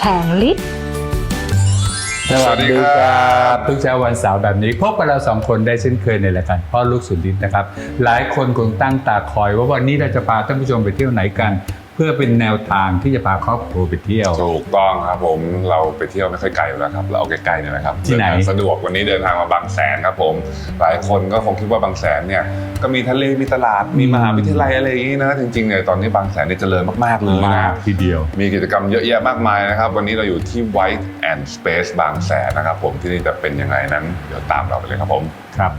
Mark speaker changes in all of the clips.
Speaker 1: งฤทธิ์
Speaker 2: สวัสดีครับทุกเช้าวันเสาร์แบบนี้พบกับเราสองคนได้เช่นเคยในรายการพ่อลูกสุดฤทธิ์นะครับหลายคนคงตั้งตาคอยว่าวันนี้เราจะพาท่านผู้ชมไปเที่ยวไหนกันเพื่อเป็นแนวทางที่จะพาครอบครัวไปเที่ยว
Speaker 3: ถูกต้องครับผมเราไปเที่ยวไม่ค่อยไกลอยู่แล้วครับเราเอาไกลๆเนี่ยนะครับ
Speaker 2: ที่ไหน
Speaker 3: สะดวกวันนี้เดินทางมาบางแสนครับผมหลายคนก็คงคิดว่าบางแสนเนี่ยก็มีทะเลมีตลาดมีมหาวิทยาลัยอะไรอย่างนี้นะจริงๆเนี่ยตอนนี้บางแสนเนี่ยเจริญมากๆเลยนะ
Speaker 2: ทีเดียว
Speaker 3: มีกิจกรรมเยอะแยะมากมายนะครับวันนี้เราอยู่ที่ White and Space บางแสนนะครับผมที่นี่จะเป็นยังไงนั้นเดี๋ยวตามเราไปเลยครับผม
Speaker 2: ครับ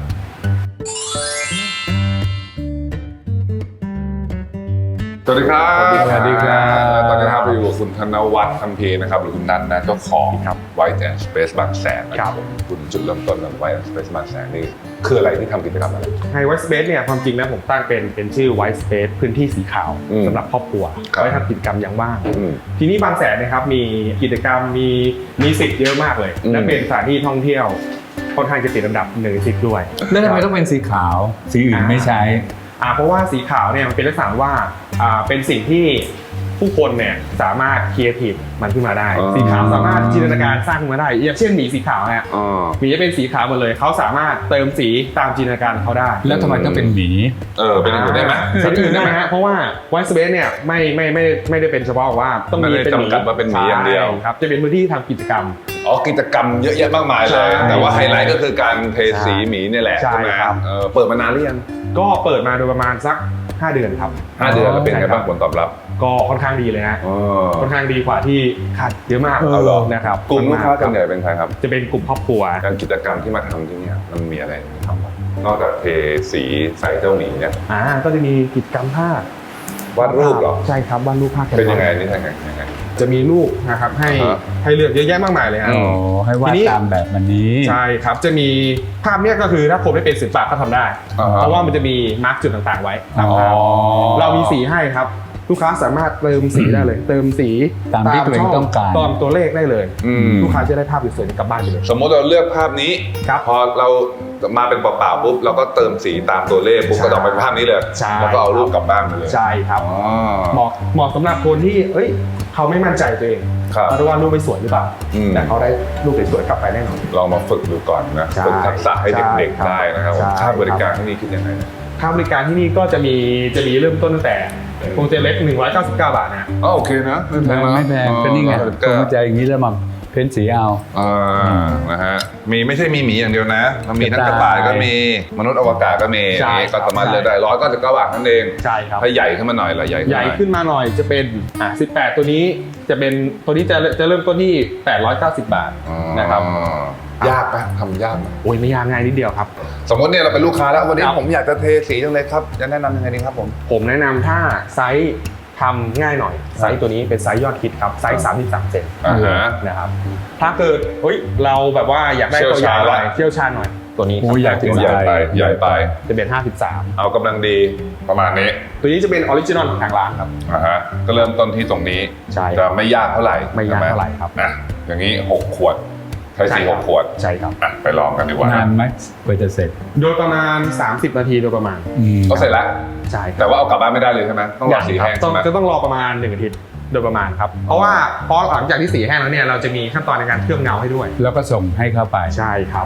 Speaker 3: สวัสดีครับ
Speaker 2: สวัสดีครับ
Speaker 3: ตอนนี้ครับเราอยู่กับคุณธนวัฒน์คัมภีร์นะครับหรือคุณนัทนะเจ้าของ White and Space บางแสนนะครับคุณจุดเริ่มต้นของ White and Space บางแสนนี่คืออะไรที่ทำกิจกรรมอะไร
Speaker 4: White Space เนี่ยความจริงนะผมตั้งเป็นชื่อ White Space พื้นที่สีขาวสำหรับครอบครัวไว้ทำกิจกรรมอย่างว่างทีนี้บางแสนนะครับมีกิจกรรมมีสิทธิ์เยอะมากเลยและเป็นสถานที่ท่องเที่ยวค่อนข้างจะติดอันดับ1 ใน 10ด้วย
Speaker 2: แล้วทำไมต้องเป็นสีขาวสีอื่นไม่ใช้
Speaker 4: เพราะว่าสีขาวเนี่ยมันเป็นลักษณะว่าเป็นสิ่งที่ผู้คนเนี่ยสามารถครีเอทีฟมันขึ้นมาได้สีขาวสามารถจินตนาการสร้างขึ้นมาได้อย่างเช่นหมีสีขาวเนี่ยหมีจะเป็นสีขาวหมดเลยเขาสามารถเติมสีตามจินตนาการเขาได้
Speaker 2: แล้วทำไมต้องเป็นหมี
Speaker 3: เป็นอื่นได้ไหม
Speaker 4: เป็นอื่นได้ไหมฮะเพราะว่า White Space เนี่ยไม่ได้เป็นเฉพาะว่าต้องมีเป็น
Speaker 3: จำกัดว่าเป็นหมีอย่างเดียว
Speaker 4: ครับจะเป็นพื้นที่ทำกิจกรรม
Speaker 3: กิจกรรมเยอะแยะมากมายเลยแต่ว่าไฮไลท์ก็คือการเทสีหมีนี่แหละใช่ไหมเปิดมานานหรือยัง
Speaker 4: ก็เปิดมาโดยประมาณสัก5 เดือนครับ
Speaker 3: 5 เดือนแล้วเป็นไงบ้างผลตอบรับ
Speaker 4: ก็ค่อนข้างดีเลยฮะค่อนข้างดีกว่าที่คาดเยอะมากนะครับ
Speaker 3: กลุ่มลูกค้าส่วนใหญ่เป็นใครครับ
Speaker 4: จะเป็นกลุ่มครอบครัว
Speaker 3: การกิจกรรมที่มาทำที่นี่มันมีอะไรทำบ้างนอกจากเทสีใส่เจ้าหมีเนี่ย
Speaker 4: ก็จะมีกิจกรรมภาพ
Speaker 3: วาดรูปหรอ
Speaker 4: ใช่ครับวาดรูปภาพ
Speaker 3: เป็นยังไงนี่ยังไง
Speaker 4: จะมีรูปนะครับให้เลือกเยอะแยะมากมายเลยฮะ
Speaker 2: ให้วาดตามแบบมันนี้
Speaker 4: ใช่ครับจะมีภาพเนี้ยก็คือถ้าคนไม่เป็นศิลปะก็ทำได้เพราะว่ามันจะมีมาร์กจุดต่างๆไว้ตามภาพเรามีสีให้ครับลูกค้าสามารถเติมสีได้เลยเติมสี
Speaker 2: ตามที่ตัวเองต้องการ
Speaker 4: ตามตัวเลขได้เลยลูกค้าจะได้ภาพสวยๆกลับบ้านไปเลย
Speaker 3: สมมติเราเลือกภาพนี้พอเรามาเป็นเปล่าๆปุ๊บเราก็เติมสีตามตัวเลขปุ๊บก็ออกเป็นภาพนี้เลยแล้วก็เอารูปกลับบ้านไปเลย
Speaker 4: ใช่ครับเหมาะสำหรับคนที่เขาไม่มั่นใจตัวเองว่ารูปไม่สวยหรือเปล่าแต่เขาได้รูปสวยๆกลับไปแน่นอน
Speaker 3: ลองมาฝึกดูก่อนนะฝึกทักษะให้เด็กๆได้นะครับค่าบริการที่นี่คิดยังไง
Speaker 4: ค่าบริการที่นี่ก็จะมีเริ่มต้นตั้งแต่โปรเจกต์เล็ก199 บาทนะ
Speaker 3: โอเคนะ
Speaker 2: ไม่แพงก็นี่ไงโปรเจกต์อย่างนี้แล้วมาเพ้นสีเอา
Speaker 3: นะฮะไม่ใช่มีหมีอย่างเดียวนะมันมีทั้งกระต่ายก็มีมนุษย์อวกาศก็มีก็สามารถเลือกได้199 บาทนั่นเอง
Speaker 4: ใช่ครับ
Speaker 3: ถ้าใหญ่ขึ้นมาหน่อยละใหญ่
Speaker 4: ขึ้นมาหน่อยจะเป็น18ตัวนี้จะเป็นตัวนี้จะเริ่มต้นที่890 บาทนะครับ
Speaker 3: ยากปะทำยากไหม
Speaker 4: ไม่ยากง่ายนิดเดียวครับ
Speaker 3: สมมติเนี่ยเราเป็นลูกค้าแล้ววันนี้ผมอยากจะเทสีจังเลยครับจะแนะนำยังไงดีครับ
Speaker 4: ผมแนะนำถ้าไซส์ทำง่ายหน่อยไซส์ตัวนี้เป็นไซส์ยอดฮิตครับไซส์33 เซนนะครับถ้าเกิดเราแบบว่าอยากได้ตัวใหญ่หน่อยเชี่ยวชาญหน่อยตัวนี้
Speaker 3: ใหญ่ไป
Speaker 4: จะเป็น53
Speaker 3: เอากำลังดีประมาณนี้
Speaker 4: ตัวนี้จะเป็นออริจินอลของทางร้านครับ
Speaker 3: ก็เริ่มต้นที่ตรงนี้จะไม่ยากเท่าไหร่
Speaker 4: ครับ
Speaker 3: อย่างนี้6 ขวดใช้สี6 ขวด
Speaker 4: ใช่ครับ
Speaker 3: ไปลองกันดีกว่าน
Speaker 2: านไหมกว่าจะเสร็จ
Speaker 4: โดยประมาณ30 นาทีโดยประมาณ
Speaker 3: ก็เสร็จแล้ว
Speaker 4: ใช่
Speaker 3: แต่ว่าเอากลับบ้านไม่ได้เลยใช่ไหมต้องรอสีแห้ง
Speaker 4: จะต้องรอประมาณ1 อาทิตย์โดยประมาณครับเพราะหลังจากที่สีแห้งแล้วเนี่ยเราจะมีขั้นตอนในการเคลือบเงาให้ด้วย
Speaker 2: แล้วก็ส่งให้เข้าไป
Speaker 4: ใช่ครับ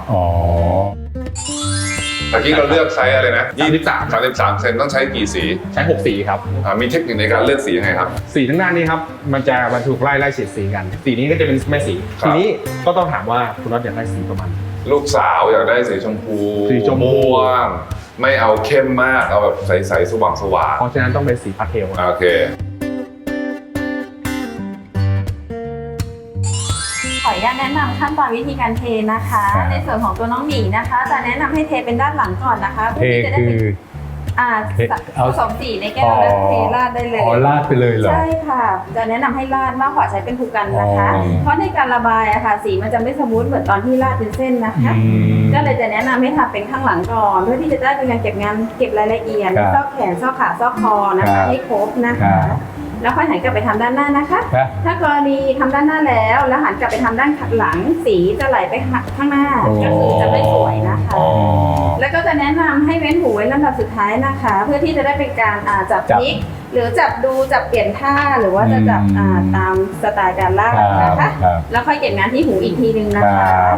Speaker 3: เมื่อกี้เราเลือกไซส์อะไรนะ33 เซนต้องใช้กี่สี
Speaker 4: ใช้6 สีครับ
Speaker 3: มีเทคนิคในการเลือกสียังไงครับ
Speaker 4: สีทั้งด้านนี้ครับมันจะบรรทุกไล่เฉดสีกันสีนี้ก็จะเป็นแม่สีทีนี้ก็ต้องถามว่าคุณน็อตอยากได้สีประมาณ
Speaker 3: ลูกสาวอยากได้สีชมพูม่วงไม่เอาเข้มมากเอาแบบใสๆสว่าง
Speaker 4: เพราะฉะนั้นต้องเป็นสีพาสเทล
Speaker 3: โอเค
Speaker 1: ขออนุญาตแนะนำขั้นตอนวิธีการเทนะคะในส่วนของตัวน้องหมีนะคะจะแนะนำให้เทเป็นด้านหลังก่อนนะคะ
Speaker 2: เพื่อที่จะได้
Speaker 1: ผสมสีในแก้วแล้วเทราดได้เลย
Speaker 2: ราดไปเลยเหรอ
Speaker 1: ใช่ค่ะจะแนะนำให้ราดมากกว่าใช้เป็นภูกันนะคะเพราะในการระบายสีมันจะไม่สมูทเหมือนตอนที่ราดเป็นเส้นนะคะก็เลยจะแนะนำให้ทำเป็นข้างหลังก่อนเพื่อที่จะได้เป็นการเก็บรายละเอียดซอกแขนซอกขาซอกคอนะคะให้ครบนะคะแล้วค่อยหันกลับไปทำด้านหน้านะคะถ้ากรณีทำด้านหน้าแล้วหันกลับไปทำด้านหลังสีจะไหลไปข้างหน้าก็คือจะไม่สวยนะคะแล้วก็จะแนะนำให้เว้นหูไว้ลำดับสุดท้ายนะคะ เพื่อที่จะได้เป็นการจับพลิกหรือจับดูจับเปลี่ยนท่าหรือว่าจะจับตามสไตล์การลากนะคะแล้วค่อยเก็บงานที่หูอีกทีนึงนะคะ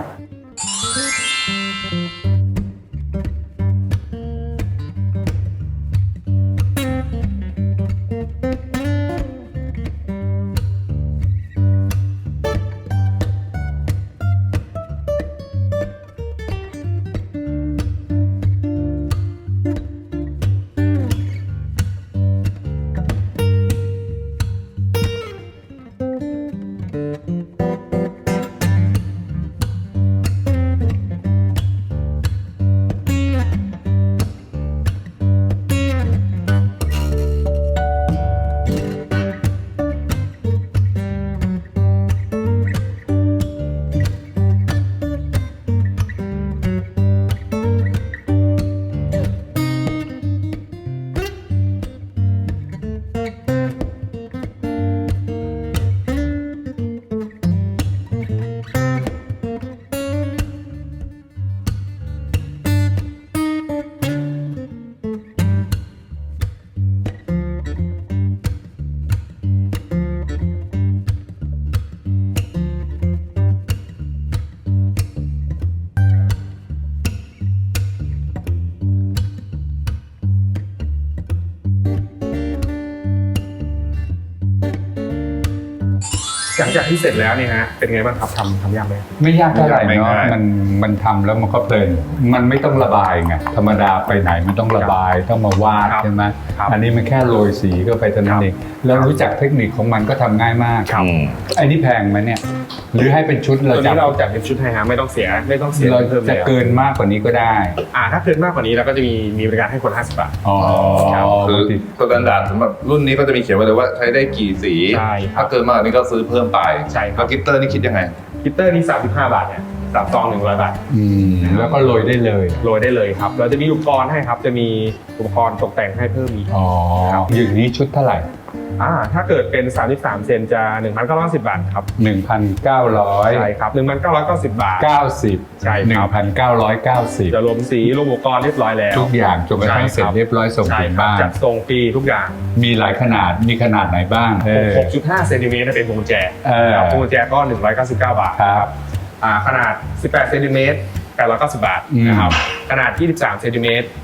Speaker 4: หลังจากที่เสร็จแล้วเนี่ยฮะเป็นไงบ้างครับทำยากไหม
Speaker 2: ไม่ยากเท่าไหร่
Speaker 3: ไม่
Speaker 2: เนาะ
Speaker 3: ง่าย
Speaker 2: มันทำแล้วมันก็เพลินมันไม่ต้องระบายไงธรรมดาไปไหนมันต้องระบายต้องมาวาด
Speaker 4: ครับ
Speaker 2: ใช่ไหม
Speaker 4: ครับ
Speaker 2: อันนี้มันแค่โรยสีก็ไปเท่านั้นเองแล้วรู้จักเทคนิคของมันก็ทำง่ายมาก
Speaker 3: อืม
Speaker 2: ไอ้นี่แพงไหมเนี่ยหรือให้เป็นชุด
Speaker 4: ตัว
Speaker 2: เราจั
Speaker 4: นี้เราจัดเป็นชุดให้ฮะไม่ต้องเสีย
Speaker 2: เรา
Speaker 4: เพิ่ม
Speaker 2: จะ
Speaker 4: แล้ว
Speaker 2: เกินมากกว่านี้ก็ได้
Speaker 4: ถ้าเกินมากกว่านี้เราก็จะมีบริการให้คน50 บาท
Speaker 2: อ๋อ
Speaker 3: คือสแตนดาร์ดสำหรับรุ่นนี้ก็จะมีเขียนไว้เลยว่าใช้ได้กี่สี
Speaker 4: ใช่ครับ
Speaker 3: ถ้าเกินมากกว่านี้ก็ซื้อเพิ่มไป
Speaker 4: ใช่ครับ
Speaker 3: แล้วกิตเตอร์นี่คิดยังไง
Speaker 4: กิตเตอร์นี่35 บาทเนี่ย3 ซอง100 บาท
Speaker 2: แล้วก็โรยได้เลย
Speaker 4: โรยได้เลยครับเราจะมีอุปกรณ์ให้ครับจะมีอุปกรณ์ตกแต่งให้เพิ่มอีก
Speaker 2: อ๋อ
Speaker 4: ครับ
Speaker 2: อย่างนี้ชุดเท่าไหร่
Speaker 4: ถ้าเกิดเป็น33 เซนจะ 1,910 บาทครับ
Speaker 2: 1,990
Speaker 4: ใช่ครับ 1,990 บาท ใช่ครับ
Speaker 2: 1,990
Speaker 4: จะรวมสีรวมอุปกรณ์เรียบร้อยแล้ว
Speaker 2: ทุกอย่างจนกระทั่งเสร็จเรียบร้อยส่ง
Speaker 4: ใช่
Speaker 2: ถึง
Speaker 4: ครับ
Speaker 2: บ้าน
Speaker 4: จัดส่งฟรีทุกอย่าง
Speaker 2: มีหลายขนาดมีขนาดไหนบ้าง
Speaker 4: 6.5 เซนติเมตรเป็นพวงกุญแจ
Speaker 2: ครับ
Speaker 4: พวงกุญแจก็ 199 บาท
Speaker 2: ครับ
Speaker 4: ขนาด 18 เซนติเมตร890 บาทนะครับขนาด 23 เซนติเมตร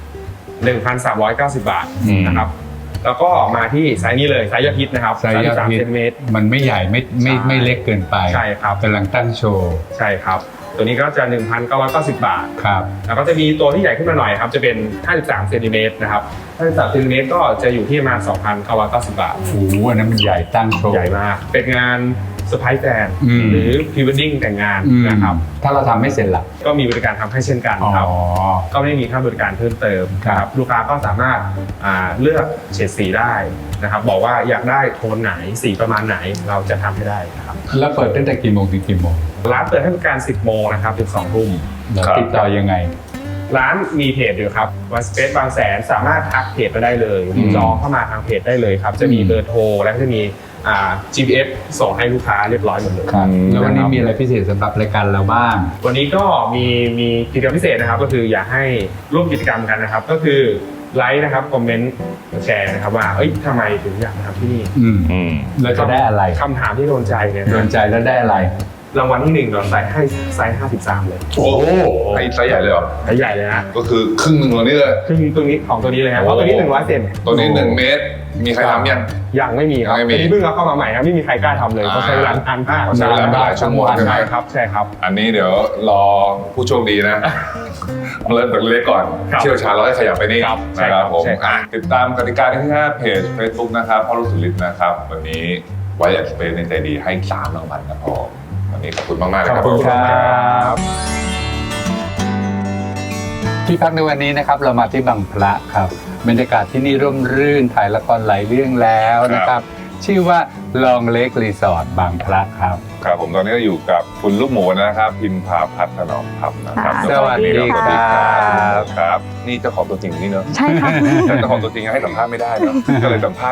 Speaker 4: 1,390 บาทนะครับแล้วก็มาที่ไซส์นี้เลยไซส์ยอดฮิตนะครับ
Speaker 2: ไซส์ยอดฮิต
Speaker 4: 33 เซนติเมตร
Speaker 2: มันไม่ใหญ่ไม่เล็กเกินไป
Speaker 4: ใช่ครับ
Speaker 2: กำลังตั้งโชว์
Speaker 4: ใช่ครับตัวนี้ก็จะ 1,990 บาท
Speaker 2: ครับ
Speaker 4: แล้วก็จะมีตัวที่ใหญ่ขึ้นมาหน่อยครับจะเป็น 53 เซนติเมตรนะครับ53 เซนติเมตรก็จะอยู่ที่ประมาณ 2,990 บาท
Speaker 2: โอ้โหอันนั้นมันใหญ่ตั้งโชว์
Speaker 4: ใหญ่มากเป็นงานเซอร์ไพรส์แฟน
Speaker 2: อืม
Speaker 4: หรือพรีเวดดิ้งแต่งงานนะครับ
Speaker 2: ถ้าเราทำไม่เสร็จล่ะ
Speaker 4: ก็มีบริการทำให้เช่นกัน
Speaker 2: อ๋อ
Speaker 4: ครับก็ไม่มีค่าบริการเพิ่มเติม
Speaker 2: ครับ
Speaker 4: ลูกค้าก็สามารถเลือกเฉดสีได้นะครับบอกว่าอยากได้โทนไหนสีประมาณไหนเราจะทำให้ได้ครับ
Speaker 2: แล้วเปิดตั้งแต่กี่โมงถึงกี่โมง
Speaker 4: ร้านเปิดให้บริการ 10 โมงนะครับถึง 2 ทุ่ม
Speaker 2: แล้ว
Speaker 3: ครับ
Speaker 2: ติดต่อยังไง
Speaker 4: ร้านมีเพจอยู่ครับวันสเปซบางแสนสามารถทักเพจไปได้เลยหรือจองเข้ามาทางเพจได้เลยครับจะมีเบอร์โทรและก็จะมีGPS ส่งให้ลูกค้าเรียบร้อยหมดเลย
Speaker 2: ครับ แล้ววันนี้
Speaker 4: นะครับ
Speaker 2: มีอะไรพิเศษสำหรับรายการเราบ้าง
Speaker 4: วันนี้ก็มีกิจกรรมพิเศษนะครับก็คืออยากให้ร่วมกิจกรรมกันนะครับก็คือไลค์นะครับคอมเมนต์แชร์นะครับว่าทำไมถึงอยากมาทำที่นี่
Speaker 3: อืม
Speaker 2: เราจะได้อะไร
Speaker 4: คำถามที่โดนใจเนี่ย
Speaker 2: โดนใจแล้วได้อะไร
Speaker 4: รางวัลที่1เราใส่ให้ไซส์53เลย
Speaker 3: โอ้โหไอ้ไซส์ใหญ่เลยเหรอ
Speaker 4: ไซส์ใหญ่เลยนะ
Speaker 3: ก็คือครึ่งหนึ่งของนี้เลย
Speaker 4: ซึ่งตัวนี้ของตัวนี้เลยครับเพราะตัวนี้100 เซน
Speaker 3: ตัวนี้1 เมตร มีใครทำยัง
Speaker 4: ยังไม่มีครับ
Speaker 3: ยังไม่มี
Speaker 4: อันนี้เพิ่งเอาเข้ามาใหม่ครับไม่มีใครกล้าทำเลยเขาใช้เวลานานมาก
Speaker 3: เขาใช้เวลาหลายชั่วโมงใช่ไหม
Speaker 4: ใช่ครับใช่ครับ
Speaker 3: อันนี้เดี๋ยวรอผู้โชคดีนะ เริ่มจากเล็กก่อน
Speaker 4: ครับ
Speaker 3: เชี่ยวชาญเราให้ขยับไปนี่
Speaker 4: ครับใช่
Speaker 3: นะค
Speaker 4: ครั
Speaker 3: รับบ ผม
Speaker 4: ใช่ครับ
Speaker 3: ติดตามกติกาได้ที่หน้าเพจ Facebook นะครับพ่อลูกสุริตนะครับ วันนี้ไว้อยากสเปนในใจดีให้3 รางวัลครับผมวันนี้ขอบคุณมากๆเลยครับ
Speaker 2: ขอบคุณครับ
Speaker 3: ผม
Speaker 2: ที่พักในวันนี้นะครับเรามาที่บางพระครับบรรยากาศที่นี่ร่มรื่นถ่ายละครหลายเรื่องแล้วนะครับ ชื่อว่าลองเล็กรีสอร์ทบางพระครับ
Speaker 3: ครับผมตอนนี้ก็อยู่กับคุณลูกหมูนะครับ พิมพาพัฒนอมธรรมนะครับ
Speaker 1: ค่ะ
Speaker 3: เจ้าของ
Speaker 2: สวัสดี
Speaker 3: สวัสดี
Speaker 2: ครับ
Speaker 3: ครับ นี่เจ้าของตัวจริงนี่เนอะ
Speaker 1: ใช่ค่ะ
Speaker 3: แต่เจ้าของตัวจริงยังให้สัมภาษณ์ไม่ได้เนอะก็เลยสัมภาษณ์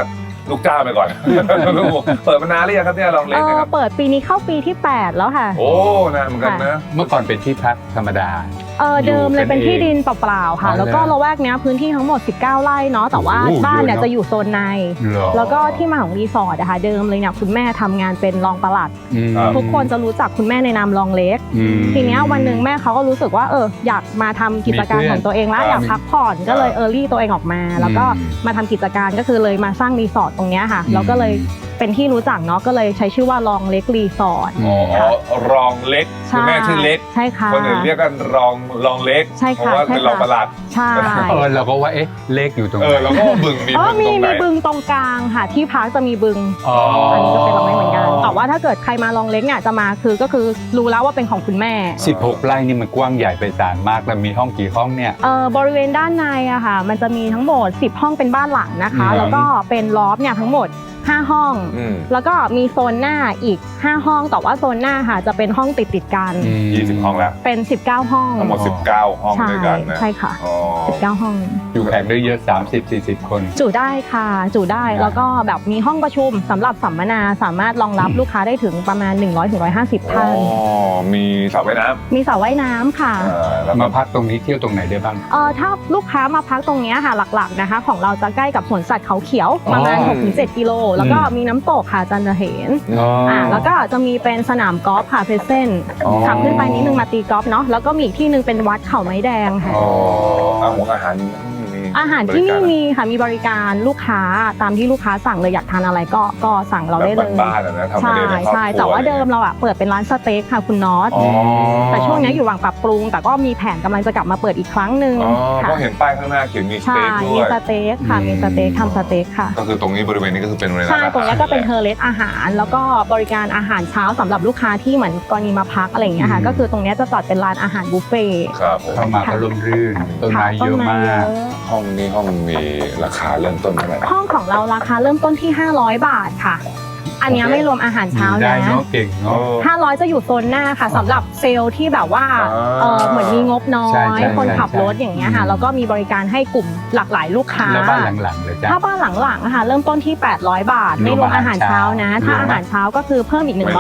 Speaker 3: ลูกจ้างไปก่อน เปิดมานานหรือยังครับเนี่ยลองเล็กนะครับ
Speaker 5: เปิดปีนี้เข้าปีที่ 8 แล้วค่ะ
Speaker 3: โอ้นานเหมือนกันนะ
Speaker 2: เมื่อก่อนเป็นที่พักธรรมดา
Speaker 5: เดิมเลยเป็น
Speaker 2: อยู่กันเอง
Speaker 5: ที่ดินเปล่าๆค่ะ
Speaker 2: อ๋อ
Speaker 5: แล้วก็
Speaker 2: เหรอ
Speaker 5: ละแวกเนี้ยพื้นที่ทั้งหมด 19 ไร่เนาะแต่ว่า
Speaker 2: โอ้โห
Speaker 5: บ้านเนี่ย
Speaker 2: เยอะเนอะ
Speaker 5: จะอยู่โซนใน
Speaker 2: เหรอ
Speaker 5: แล้วก็ที่มาของรีสอร์ทอะค่ะเดิมเลยเนี่ยคุณแม่ทำงานเป็นรองปลัด
Speaker 2: อืม
Speaker 5: ทุกคนจะรู้จักคุณแม่ในนามรองเล็ก
Speaker 2: อืม
Speaker 5: ทีเนี้ยวันหนึ่งแม่เขาก็รู้สึกว่าอยากมาทำกิจการของตัวเองแล้ว
Speaker 3: มีเพื่อน
Speaker 5: อยากพักผ่อนก็เลยรี่ตัวเองออกมา แล้วก็มาทำกิจการก็คือเลยมาสร้างรีสอร์ทตรงเนี้ยค่ะแล้วก็เลยเป็นที่รู้จักเนาะก็เลยใช้ชื่อว่าลองเล็กรีสอร์ท
Speaker 3: อ๋อรองเล็กคุณแม่ชื่อเล็ก
Speaker 5: ใช่ค่ะ
Speaker 3: คนอื่นเรียกกันรองเล็ก
Speaker 5: ใช่
Speaker 3: เพ
Speaker 5: ค่ะ
Speaker 3: ราะว่าเป็นรองประหลัด
Speaker 5: ใช่
Speaker 2: เราก็ว่าเลขอยู่ตรงไหน
Speaker 3: แล้วก็บึงมี
Speaker 5: อ๋อ
Speaker 3: บึงตรงไหน
Speaker 5: มีบึงตรงกลางค่ะที่พักจะมีบึง
Speaker 2: อ๋อ
Speaker 5: อั
Speaker 2: อั
Speaker 5: นนี้ก็เป็นลองเล็กเหมือนกันแต่ว่าถ้าเกิดใครมาลองเล็กเนี่ยจะมาก็คือรู้แล้วว่าเป็นของคุณแม่
Speaker 2: 16 ไร่นี่มันกว้างใหญ่ไพศาลมากแล้วมีห้องกี่ห้องเนี่ย
Speaker 5: บริเวณด้านในอะค่ะมันจะมีทั้งหมด10ห้องเป็นบ้านหลังนะคะ
Speaker 2: อืม
Speaker 5: แล้วก็เป็นลอฟเนี่ยทั้งหมด5ห้อง
Speaker 3: อืม
Speaker 5: แล้วก็มีโซนหน้าอีก5ห้องแต่ว่าโซนหน้าค่ะจะเป็นห้องติดกัน
Speaker 3: 20 ห้องแล้ว
Speaker 5: เป็น19ห้อง
Speaker 3: ทั้งหมด 19 ห้อง
Speaker 5: ใช่
Speaker 3: ด้วยกันนะ
Speaker 5: ใช่ค่ะ
Speaker 3: อ๋อ
Speaker 5: 19ห้อง
Speaker 2: อยู่แขกได้เยอะ 30-40 คน
Speaker 5: จุได้ค่ะจุได้
Speaker 2: นะ
Speaker 5: แล้วก็แบบมีห้องประชุมสำหรับสัมมนาสามารถรองรับลูกค้าได้ถึงประมาณ 100-150 ท่าน
Speaker 3: มีสระว่ายน้
Speaker 5: มีสระว่ายน้ำค่ะ
Speaker 3: ำแล้วก็
Speaker 2: มาพักตรงนี้เที่ยวตรงไหนได้บ้าง
Speaker 5: ถ้าลูกค้ามาพักตรงเนี้ยค่ะหลักๆนะคะ ของเราจะใกล้กับสวนสัตว์เขาเขียวประมาณ
Speaker 2: อ๋อ
Speaker 5: 6-7 กิโลแล้วก็มีน้ำตกค่ะจันทเห็นแล้วก็จะมีเป็นสนามกอล์ฟค่ะเพเซน
Speaker 3: อ๋อ
Speaker 5: ขับขึ้นไปนิดนึงมาตีกอล์ฟเนาะแล้วก็มีอีกที่หนึงเป็นวัดเขาไม้แดงค่ะ
Speaker 3: อ๋ออาหารมี
Speaker 5: อาหารที่นี่
Speaker 3: บก
Speaker 5: มีค่ะมีบริการลูกค้าตามที่ลูกค้าสั่งเลยอยากทานอะไรก็สั่งเราได้
Speaker 3: แบ
Speaker 5: เล
Speaker 3: บ
Speaker 5: ย
Speaker 3: บ้านๆอะนะทำมา
Speaker 5: ใช่
Speaker 3: เองในครอบครัว
Speaker 5: ใช่แต่ว่าเดิมเราเปิดเป็นร้านสเต็กค่ะคุณน็อต
Speaker 3: อ๋อ
Speaker 5: แต่ช่วงนี้อยู่ระหว่างปรับปรุง แต่ก็มีแผนกำลังจะกลับมาเปิดอีกครั้งหนึ่ง
Speaker 3: อ๋อ
Speaker 5: ค่ะ
Speaker 3: ก็เห็นป้ายข้างหน้าเขียนมีส
Speaker 5: ใช่
Speaker 3: เต็กด้
Speaker 5: มี
Speaker 3: วย
Speaker 5: สเต็กค่ะมีสเต็กทำสเต็กค่ะ
Speaker 3: ก็คือตรงนี้บริเวณนี้ก็คือเป็นเวลา
Speaker 5: ใช่ตรงนี้ก็เป็น
Speaker 3: อา
Speaker 5: เท
Speaker 3: หาร
Speaker 5: อร์เลสอาหาร แล้วก็บริการอาหารเช้าสำหรับลูกค้าที่เหมือนกรณีมาพักอะไรอย่างเงี้ยค่ะก็คือตรงนี้จะจัดเป็นร้านอาหารบุฟเฟ่ต์
Speaker 3: ครับผม
Speaker 2: เข้ามาก็ร่มรื่นต้นไม้เยอะมาก
Speaker 3: ห้องนี้ห้องมีราคาเริ่มต้นเท่าไหร่
Speaker 5: ห้องของเราราคาเริ่มต้นที่500 บาทค่ะ อันเนี้ยไม่รวมอาหาร
Speaker 2: อ
Speaker 5: เช้า
Speaker 2: ยู่ได้
Speaker 5: นะ
Speaker 2: เนาะเก่งเนาะ
Speaker 5: 500จะอยู่โซนหน้าค่ะสำหรับเซลล์ที่แบบว่าเหมือนมีงบน้อ
Speaker 2: ใช่
Speaker 5: ย
Speaker 2: ใช่
Speaker 5: คนขับ
Speaker 2: ใช่
Speaker 5: รถอย่างเงี้ยค่ะแล้วก็มีบริการให้กลุ่มหลากหลายลูกค้า
Speaker 2: แล้วบ้านหลังๆเลยจ้ะ
Speaker 5: ถ้าบ้านหลังๆอะค่ะเริ่มต้นที่800 บาท ไม่รวมอาหารเช้านะ ถ้าอาหารเช้าก็คือเพิ่มอีก
Speaker 2: อ๋อ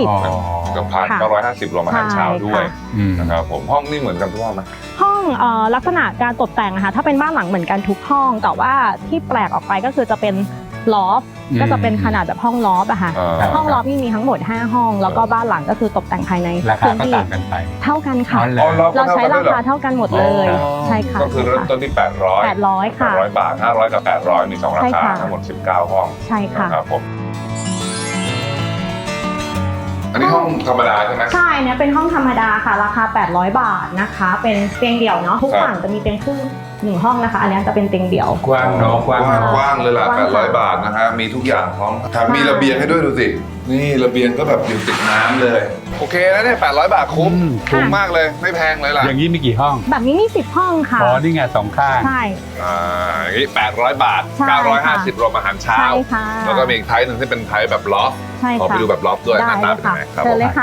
Speaker 5: 150
Speaker 3: กับพัน950รวมอาหารเช้าด้วย
Speaker 2: อืม
Speaker 3: นะครับผมห้องนี่เหมือนกันทุกห้องไหม
Speaker 5: ห้องลักษณะการตกแต่งอะค่ะถ้าเป็นบ้านหลังเหมือนกันทุกห้อง แต่ว่าที่แปลกออกไปก็คือจะเป็นลอฟ ก็จะเป็นขนาดแบบห้องลอฟอะค่ะ ห้องลอฟนี่มีทั้งหมด5ห้อง แล้วก็บ้านหลังก็คือตกแต่งภายใน
Speaker 2: ราคา
Speaker 5: พื้น
Speaker 2: ก็
Speaker 5: ที่
Speaker 2: ต่างกันไป
Speaker 5: เท่ากันค่ะ
Speaker 2: อ๋อเหร
Speaker 3: อ๋อ
Speaker 5: เราใช้ราคา
Speaker 3: เท่ากันด้วยเหรอ
Speaker 5: เท่ากันหมดเลย ใช่ค่ะ
Speaker 3: ก็คือเริ่มต้นที่800
Speaker 5: 800 ค่ะ
Speaker 3: 800 บาท 500 กับ 800 มี 2 รา
Speaker 5: ใช่
Speaker 3: คา
Speaker 5: ค่ะ
Speaker 3: ทั้งหมด 19 ห้อง
Speaker 5: ใช่ค่ะ
Speaker 3: นะครับผม อันนี้ห้องธรรมดาใช่ไหม
Speaker 5: ใช่เนี่ยเป็นห้องธรรมดาค่ะ ราคา 800 บาทนะคะ เป็นเตียงเดี่ยวเนาะทุก
Speaker 3: ครับ
Speaker 5: ฝั่งจะมีเตียงครึ่ง1 ห้องนะคะ อันนี้จะเป็นเตียงเดี่ยว
Speaker 2: กว้างเนาะกว้าง
Speaker 3: กว้างเลยล่ะ
Speaker 5: กว้างค่ะ
Speaker 3: 800 บาทนะฮะมีทุกอย่างพร้อมแถมมีระเบียงให้ด้วยดูสิ นี่ระเบียงก็แบบอยู่ติดน้ำเลย โอเคนะเนี่ย800 บาทคุ้ม คุ้มมากเลย ไม่แพงเลยล่ะ
Speaker 2: อย่างนี้มีกี่ห้อง
Speaker 5: แบบนี้มี10 ห้องค่ะ
Speaker 2: อ๋อนี่ไง2ข้าง
Speaker 5: ใช่
Speaker 3: อย่างนี้800 บาท
Speaker 5: ใช่ค่ะ
Speaker 3: 950 รวมอาหารเช้า
Speaker 5: ใช่ค่ะ
Speaker 3: แล้วก็มีอีกไทป์หนึ่งที่เป็นไทป์แบบล็อฟ
Speaker 5: ใช่
Speaker 3: ขอ
Speaker 5: ค่ะ
Speaker 3: ไปดูแบบล็อฟด้วยห
Speaker 5: ได้
Speaker 3: น้า
Speaker 5: เล
Speaker 3: ตาย เป็น
Speaker 5: ค่ะ
Speaker 3: ยังไงครับ
Speaker 5: เชิญเลย
Speaker 3: ผม
Speaker 5: ค่ะ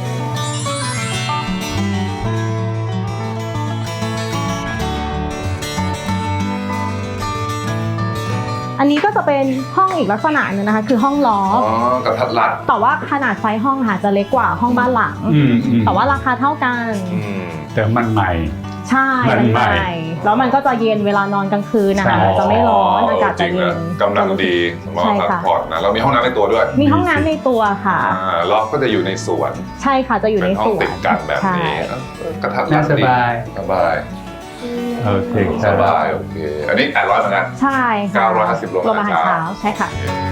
Speaker 5: อันนี้ก็จะเป็นห้องอีกลักษณะหนึ่งนะคะ คือห้องล้อ
Speaker 3: อ๋อกระทัดรัด
Speaker 5: แต่ว่าขนาดไซส์ห้องค่ะจะเล็กกว่าห้องบ้านหลัง แต่ว่าราคาเท่ากัน
Speaker 2: แต่มันใหม่
Speaker 5: ใช่
Speaker 2: มันใหม่
Speaker 5: แล้วมันก็จะเย็นเวลานอนกลางคืนนะคะ
Speaker 2: ใช่
Speaker 5: มันจะไม่ร้อนอากาศ
Speaker 3: จ
Speaker 5: จะ
Speaker 3: ริง
Speaker 5: เย็
Speaker 3: นะ
Speaker 5: น
Speaker 3: กำลังดีสำหรับ
Speaker 5: ใช่
Speaker 3: พัก
Speaker 5: ค่ะ
Speaker 3: ผ่อนนะเรามีห้องน้ำในตัวด้วย
Speaker 5: มีห้องน้ำในตัวค่ะ
Speaker 3: ล็อกก็จะอยู่ในสวน
Speaker 5: ใช่ค่ะจะอยู่
Speaker 3: เป็
Speaker 5: ใน
Speaker 3: นห้อ
Speaker 5: ส
Speaker 3: ง
Speaker 5: วน
Speaker 3: ติดกันแบบ
Speaker 5: ใช่
Speaker 3: นี้กระทัดรั
Speaker 2: น่า
Speaker 3: ด
Speaker 2: ส
Speaker 3: ดี
Speaker 2: บาย
Speaker 3: สบาย
Speaker 2: โอเค
Speaker 3: สบายโอเค อันนี้800เหมือนกัน
Speaker 5: ใช่ค่ะ
Speaker 3: 950รวม
Speaker 5: รวมอาหารเช้าใช่ค่ะ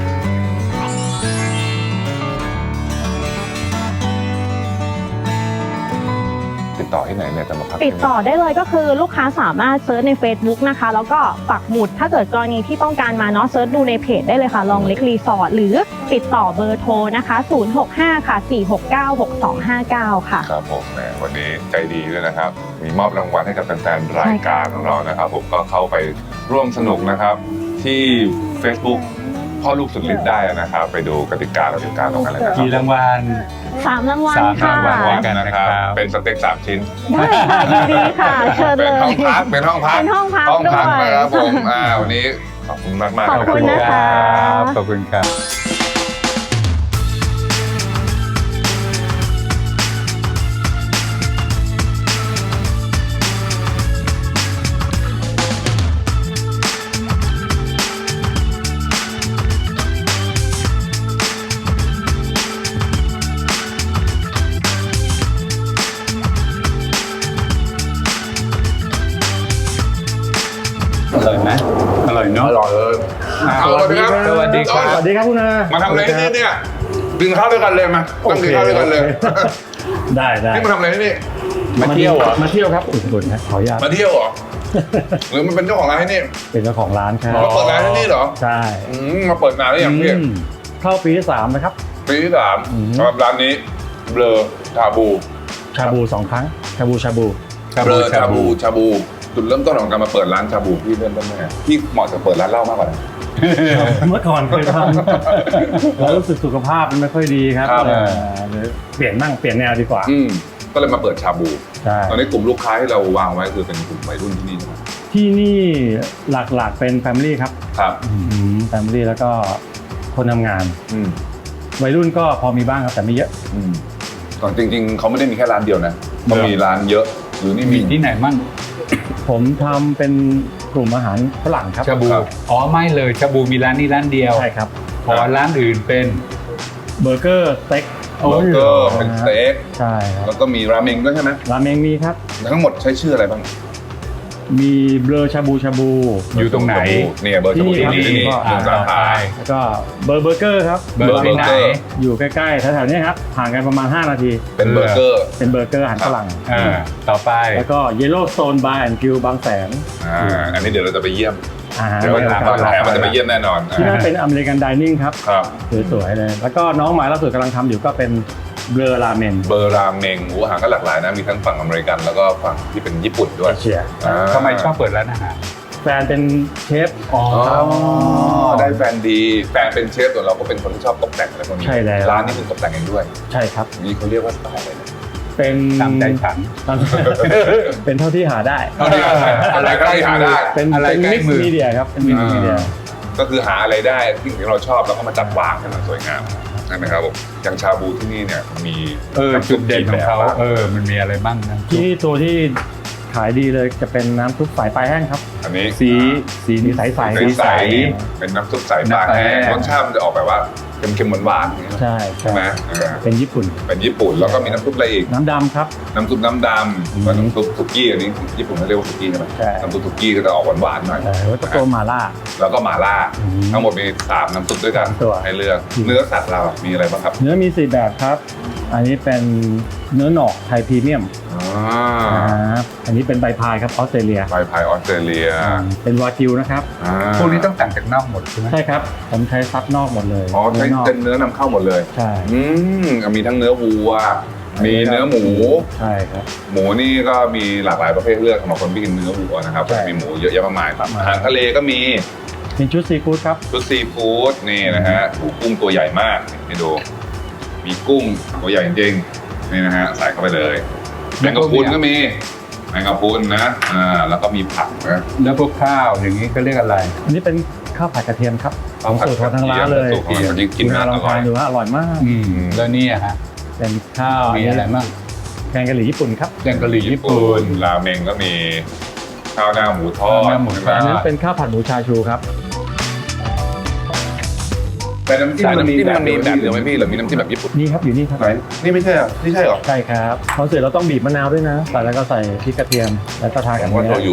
Speaker 3: ติดต่อที่ไหนเนี่ยจะมาพัก
Speaker 5: ติดต่อได้เลยก็คือลูกค้าสามารถเซิร์ชใน Facebook นะคะ แล้วก็ปักหมุดถ้าเกิดกรณีที่ต้องการมาเนาะเซิร์ชดูในเพจได้เลยค่ะลองเล็กรีสอร์ทหรือติดต่อเบอร์โทรนะคะ065ค่ะ469 6259ค่ะ
Speaker 3: ครับผมแหมวันนี้ใจดีด้วยนะครับ มีมอบรางวัลให้กับแฟนๆรายการของเรานะครับ ผมก็เข้าไปร่วมสนุกนะครับ ที่ Facebook พ่อลูกสุดฤทธิ์ได้นะครับ ไปดูกติกาเราติดการตรงกันเลยนะครั
Speaker 2: กี่รางวัล
Speaker 5: 3 รางวัล
Speaker 2: สาม
Speaker 5: ค่ะ
Speaker 2: รางวัล
Speaker 3: กันนะครับ เป็นสเต็ก3 ชิ้น
Speaker 5: ได้ค่ะยินดีค่ะเชิญ
Speaker 3: เป็
Speaker 5: เล
Speaker 3: น
Speaker 5: ย
Speaker 3: ห้องพัก เป็นห้องพัก
Speaker 5: เป็นห้องพัก
Speaker 3: ห้องพัก
Speaker 5: ด้วย
Speaker 3: นะครับผมวันนี้ขอบคุณมากๆ
Speaker 5: ขอบคุณนะคะ
Speaker 2: ขอบคุณครับ อร่อยไหมอร่อยเนาะ
Speaker 3: อร่อยเลย
Speaker 2: สวัสดีครับสวัสดีครับ
Speaker 4: สวัสดีครับคุณอา
Speaker 3: มาทำอะไรที่นี่เนี่ยกินข้าวด้วยกันเลยมาต้องกินข้าวด้วยกันเลย
Speaker 6: ได้ได้
Speaker 3: นี่มาทำอะไรที่นี่
Speaker 2: มาเที่ยวเหรอ
Speaker 6: มาเที่ยวครับอุ่นๆนะขออนุญาต
Speaker 3: มาเที่ยวเหรอหรือมันเป็นเจ้าของร้านที่นี่
Speaker 6: เป็นเจ้าของร้านครับ
Speaker 3: มาเปิดร้านที่นี่เหรอ
Speaker 6: ใช่
Speaker 3: มาเปิดนานหรือยังพี่
Speaker 6: เข้าปีที่ 3นะครับ
Speaker 3: ปีที่ 3
Speaker 6: อืม
Speaker 3: สำหรับร้านนี้เบลอชาบู
Speaker 6: ชาบู 2 ครั้ง ชาบู
Speaker 3: เบลอชาบูจุดเริ่มต้นของการมาเปิดร้านชาบูพี่เริ่มต้นยังไงพี่เหมาะกับเปิดร้านเหล้ามากกว่านะ
Speaker 6: เมื่อก่อนเคยทำแล้วรู้สึกสุขภาพมันไม่ค่อยดีครับ
Speaker 3: ครับ
Speaker 6: เลยเปลี่ยนแนวดีกว่า
Speaker 3: ก็เลยมาเปิดชาบู
Speaker 6: ใช่
Speaker 3: ตอนนี้กลุ่มลูกค้าที่เราวางไว้คือเป็นกลุ่มวัยรุ่นที่นี่ใช่ไหม
Speaker 6: ที่นี่หลักๆเป็นแฟมิลี่ครับ
Speaker 3: ครับ
Speaker 6: แฟมิลี่แล้วก็คนทำงาน
Speaker 3: อืม
Speaker 6: วัยรุ่นก็พอมีบ้างครับแต่ไม่เยอะ
Speaker 3: ก่อนจริงๆเขาไม่ได้มีแค่ร้านเดียวนะเขามีร้านเยอะหรือนี่
Speaker 2: มี
Speaker 3: มี
Speaker 2: ที่ไหนมั่ง
Speaker 6: ผมทำเป็นกลุ่มอาหารฝรั่งครับ
Speaker 2: ชาบู
Speaker 3: ครับ
Speaker 2: อ๋อไม่เลยชาบูมีร้านนี้ร้านเดียว
Speaker 6: ใช่ครับ
Speaker 2: พอร้านอื่นเป็น
Speaker 6: เบอร์เกอร์สเต็ก
Speaker 3: เบอร์เกอร์เป็นสเต็ก
Speaker 6: ใช่ครับ
Speaker 3: แล้วก็มีราเมงด้วยใช่ไหม
Speaker 6: ราเมงมีครับ
Speaker 3: ทั้งหมดใช้ชื่ออะไรบ้าง
Speaker 6: มีเบลอชาบูชาบู
Speaker 2: อยู่ตรงไหน
Speaker 3: เนี่ยเบอร์ชาบู
Speaker 6: ที่
Speaker 3: ที่
Speaker 6: นี่
Speaker 3: นี่
Speaker 6: ครับ
Speaker 3: หนึ่งสาขา
Speaker 6: แล้วก็เบอร์เกอร์ครับ
Speaker 2: เบอร์ที่ไหน
Speaker 6: อยู่ใกล้ๆแถวๆนี้ครับห่างกันประมาณ 5 นาที
Speaker 3: เป็นเบอร์เกอร์
Speaker 6: เป็นเบอร์เกอร์อาหารฝรั่ง
Speaker 2: ต่อไป
Speaker 6: แล้วก็ Yellow Stone Bar and Grill บางแสน
Speaker 3: อันนี้เดี๋ยวเราจะไปเยี่ยม
Speaker 6: อาหาร
Speaker 3: เดี๋ยววันหลังตอนแถมมันจะไปเยี่ยมแน่นอน
Speaker 6: ที่นั่นเป็นอเมริกันดิเนิ่งครับ
Speaker 3: ครับ
Speaker 6: สวยๆเลย แล้วก็น้องหมายล่าสุดกำลังทำอยู่ก็เป็นเบลอราเมน
Speaker 3: เบอร์ราเมงอาหารก็หลากหลายนะมีทั้งฝั่งอเมริกันแล้วก็ฝั่งที่เป็นญี่ปุ่นด้ว
Speaker 6: เอย เชีย
Speaker 2: ทำไมชอบเปิดร้านอาหาร
Speaker 6: แฟนเป็นเชฟ
Speaker 2: อ๋อ
Speaker 3: ได้แฟนดีแฟนเป็นเชฟส่วนเราก็เป็นคนที่ชอบตกแต่งอะไรพวกนี้
Speaker 6: ใช่แล้ว
Speaker 3: ร้านนี้คือตกแต่งเองด้วย
Speaker 6: ใช่ครับ
Speaker 3: นี่เขาเรียกว่าสไตล์อะไรนะ
Speaker 6: เป็น
Speaker 2: ตามใจฉัน
Speaker 6: เป็นเท่าที่หาได้
Speaker 3: เท่าที่หาได้อะไรก็ที่หาได้
Speaker 6: เป็น
Speaker 2: อะไร
Speaker 6: เป็น
Speaker 2: ใกล้
Speaker 6: มิก
Speaker 2: มื
Speaker 6: ซ์
Speaker 2: อ
Speaker 6: มีเดียครับเป็นมิกซ์มีเดีย
Speaker 3: ก็คือหาอะไรได้ที่เราชอบแล้วก็มาจัดวางให้มันสวยงามใช่ไหมครับผมอย่างชาบูที่นี่เนี่ยมี
Speaker 2: จุดเด่นของเขา
Speaker 3: แบบ
Speaker 2: มันมีอะไรบ้างนะ
Speaker 6: ที่นี่ตัวที่ขายดีเลยจะเป็นน้ำซุปสายปลายแห้งครับ
Speaker 3: อันนี้
Speaker 2: สี
Speaker 6: สีใส
Speaker 3: ใสๆเป็นน้ำซุปใสปลาแห้งรสชาติมันจะออกแบบว่าเค็มๆหวานๆอย่างเงี้ย
Speaker 6: ใช่
Speaker 3: ใช่ไหม
Speaker 6: เป็นญี่ปุ่น
Speaker 3: เป็นญี่ปุ่นแล้วก็มีน้ำซุปอะไรอีก
Speaker 6: น้ำดำครับ
Speaker 3: น้ำซุปน้ำดำแล้วน้ำซุปสุกี้อันนี้ญี่ปุ่นเขาเรียกว่าสุกี้ใช่ไหม
Speaker 6: ใช่
Speaker 3: น้ำซุปสุกี้ก็จะออกหวานๆหน่อย
Speaker 6: แล้วก็ตัวมาล่า
Speaker 3: แล้วก็หม่าล่า
Speaker 6: อืม
Speaker 3: ทั้งหมดมี3น้ำซุปด้วยกัน
Speaker 6: ตัว
Speaker 3: ให้เลือกเนื้อสัตว์เรามีอะไรบ้างครับ
Speaker 6: เนื้อมี4แบบครับ อันนี้เป็นเนื้อหนอกไทยพรีเมียมอันนี้เป็นใบพายครับออสเตรเลีย
Speaker 3: ไฟพายออสเตรเลีย
Speaker 6: เป็นวากิวนะครับ
Speaker 2: พวกนี้ต้องสั่งจากนอกหมดใช่ไหม
Speaker 6: ใช่ครับ ผมใช้ซับนอกหมดเลย
Speaker 3: อ๋อใช้
Speaker 6: นอก
Speaker 3: เป็นเนื้อนำเข้าหมดเลย
Speaker 6: ใช่
Speaker 3: มีทั้งเนื้อวัว มีเนื้อหมู
Speaker 6: ใช่ครับ
Speaker 3: หมูนี่ก็มีหลากหลายประเภทเลือกสำหรับคนที่กินเนื้อวัวนะครับ
Speaker 6: ใช่
Speaker 3: มีหมูเยอะแยะมากมาย
Speaker 6: มากมาย
Speaker 3: อาหารทะเลก็มี
Speaker 6: เป็นชุดซีฟู้ดครับ
Speaker 3: ชุดซีฟู้ดนี่นะฮะหูกุ้งตัวใหญ่มากนี่ดู มีกุ้งตัวใหญ่จริงๆนี่นะฮะใส่เข้าไปเลยแมงกะพรุนก็มีแมงกะพรุนนะแล้วก็มีผักนะ
Speaker 2: แล้วพวกข้าวอย่างนี้ก็เรียกอะไร
Speaker 6: อันนี้เป็นข้าวผัดกระเทียมครับของสูตรของทางร้านเลย
Speaker 3: สูตรของร้านที่กิน
Speaker 6: คุณ
Speaker 3: น่า
Speaker 6: ล
Speaker 3: อ
Speaker 6: อง
Speaker 3: ร่อ
Speaker 6: ทาย นดูว่าอร่อยมาก
Speaker 2: แล้วนี่ฮะ
Speaker 6: เป็นข้าว
Speaker 2: มีอะไรบ้าง
Speaker 6: แกงกะหรี่ญี่ปุ่นครับ
Speaker 2: แกงกะหรี่ญี่
Speaker 3: ญี่
Speaker 2: ปุ่
Speaker 3: ปุ่
Speaker 2: น
Speaker 3: นราเมงก็มีข้าวหน้าหมูทอด
Speaker 2: ข้าวหน้าหมูทอด
Speaker 6: อันนั้นเป็นข้าวผัดหมูชาชูครับ
Speaker 3: แต่น้ำจิ้มมันมีแบบเดียวไหมพี่หรือมีน้ำจิ้มแบบญี่ปุ่น
Speaker 6: นี่ครับอยู่นี่ครับ
Speaker 3: ไหนนี่ไม่ใช่เหรอนี่ใช่เหรอ
Speaker 6: ใช่ครับพอเสร็จเราต้องบีบมะนาวด้วยนะใส่แล้วก็ใส่พริกกระเทียมแล้วก็ทา
Speaker 3: ผ
Speaker 6: กับ
Speaker 3: มว่า
Speaker 6: เนื้
Speaker 3: โช
Speaker 6: อ
Speaker 3: ยุ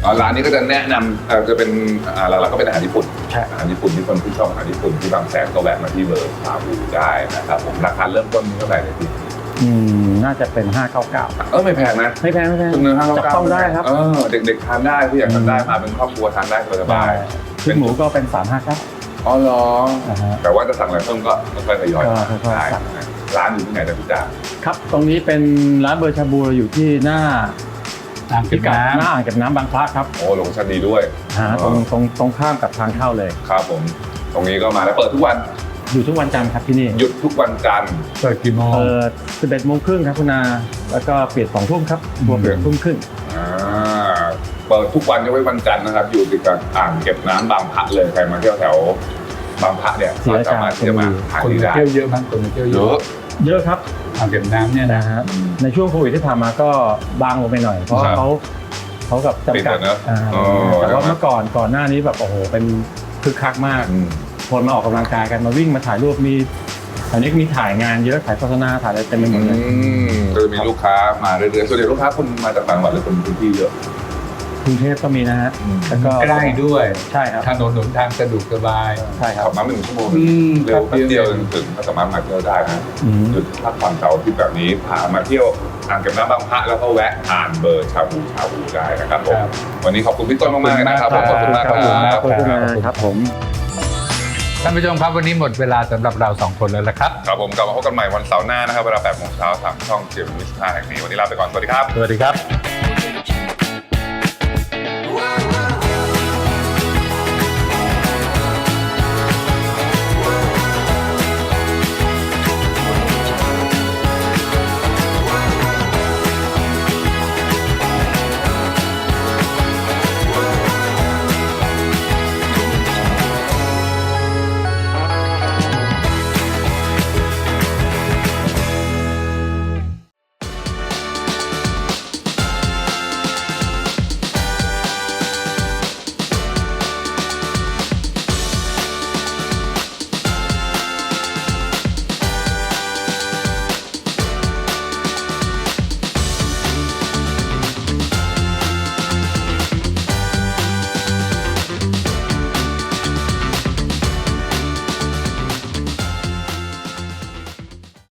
Speaker 3: ร้านนี้ก็จะแนะนำจะเป็นหลักๆก็เป็นอาหารญี่ปุ่น
Speaker 6: ใช่
Speaker 3: อาหารญี่ปุ่นที่คนที่ชอบอาหารญี่ปุ่นที่บางแสนก็แวะมาที่เบอร์ชาบูได้นะครับผมราคาเริ่มต้นเท่าไหร่เลยพี่
Speaker 6: น่าจะเป็น 599
Speaker 3: ไม่แพงนะ
Speaker 6: ไม่แพงไม่แพง
Speaker 3: จำนวน599
Speaker 6: จับต้องได้ครับ
Speaker 3: เด็กๆทานได้ผู้ใหญ่ทานได้มาเป็นครอบครัวทานได้สบายๆ
Speaker 6: ชุดหมูก็เป็น 359
Speaker 3: อ๋อเหรอ
Speaker 6: นะฮะ
Speaker 3: แต่ว่าจะสั่งอะไรเพิ่มก็ค่อยๆทยอย
Speaker 6: ก็ค่อยๆ
Speaker 3: ได้
Speaker 6: สั่ง
Speaker 3: ร้านอยู่ที่ไหนนะพี่จ๋า
Speaker 6: ครับตรงนี้เป็นร้านเบอร์ชาบูอยู่ที่หน้า
Speaker 2: อ่างเก็บน้ำ
Speaker 6: หน้าอ่างเก็บน้ำบางพระครับ
Speaker 3: โอ้โลเคชั่นดีด้วย
Speaker 6: ตรงข้ามกับทางเข้าเลย
Speaker 3: ครับผมตรงนี้ก็มาแล้วเปิดทุกวัน
Speaker 6: อยู่ทุกวันจันทร์ครับที่นี่
Speaker 3: หยุดทุกวันจันทร์
Speaker 2: เปิดกี่โมง
Speaker 6: 11 โมงครึ่งครับคุณนาแล้วก็ปิด2 ทุ่มครับตัวเปิดทุ่มครึ่ง
Speaker 3: เปิดทุกวันยกเว้นวันจันทร์นะครับ อยู่ติดกับอ่างเก็บน้ำบางพระเลยใครมาเที่ยวแถวบางพระเนี่ยก็สามารถที่จะมาทาน
Speaker 2: คน
Speaker 3: ที่
Speaker 2: มา
Speaker 3: ได้
Speaker 2: เที่ยวเยอะมากคนมาเที่ยวเย
Speaker 3: เย
Speaker 2: อะ
Speaker 3: อะ
Speaker 6: เยอะครับ
Speaker 2: อ่างเก็บน้ำเนี่ยนะ
Speaker 6: นะฮะในช่วงโควิดที่ผ่านมาก็บางลงไปหน่อย เพราะว่าเขากับจำกัด
Speaker 3: ปิดแล้วเนอะ
Speaker 6: แต่ว่าเมื่อก่อนหน้านี้แบบโอ้โหเป็นคึกคักมาก คนมาออกกำลังกายกันมาวิ่งมาถ่ายรูปมีอันนี้มีถ่ายงานเยอะถ่ายโฆษณาถ่ายอะไรเต็มไปหมดเลย
Speaker 3: ก็จะมีลูกค้ามาเรื่อยๆส่วนใหญ่ลูกค้าคนมาจากต่างจังหวัดหรือคนพื้นที่เยอะ
Speaker 6: กรุงเทพก็มีนะฮะแล้วก็
Speaker 2: ใกล้ด้วย
Speaker 6: ใช่ครับ
Speaker 2: ถนนหนทางสะดวกสบาย
Speaker 6: ใช่ครับ
Speaker 3: ขับมาไม่ถึงชั่วโมงเร็วแป๊บเดียวถึงก็สามารถมาเที่ยวได้นะ หยุดพักผ่อนเสาร์อาทิตย์แบบนี้พามาเที่ยวอ่างเก็บน้ำบางพระแล้วก็แวะทานเบอร์ชาบูได้นะครับผม
Speaker 2: ครับ
Speaker 3: วันนี้ขอบคุณพี่ต้นมากๆเลยนะครับผมขอบคุณมากครับ
Speaker 6: ขอบคุณครับผม
Speaker 2: ท่านผู้ชมครับวันนี้หมดเวลาสำหรับเรา2คนแล้วละครับ
Speaker 3: ครับผมกลับมาพบกันใหม่วันเสาร์หน้านะครับเวลา 8 โมงเช้าทางช่องเจมินิสท่าแห่งนี้วันนี้ลาไปก่อนสวัสดีครับ
Speaker 2: สวัสดีครับ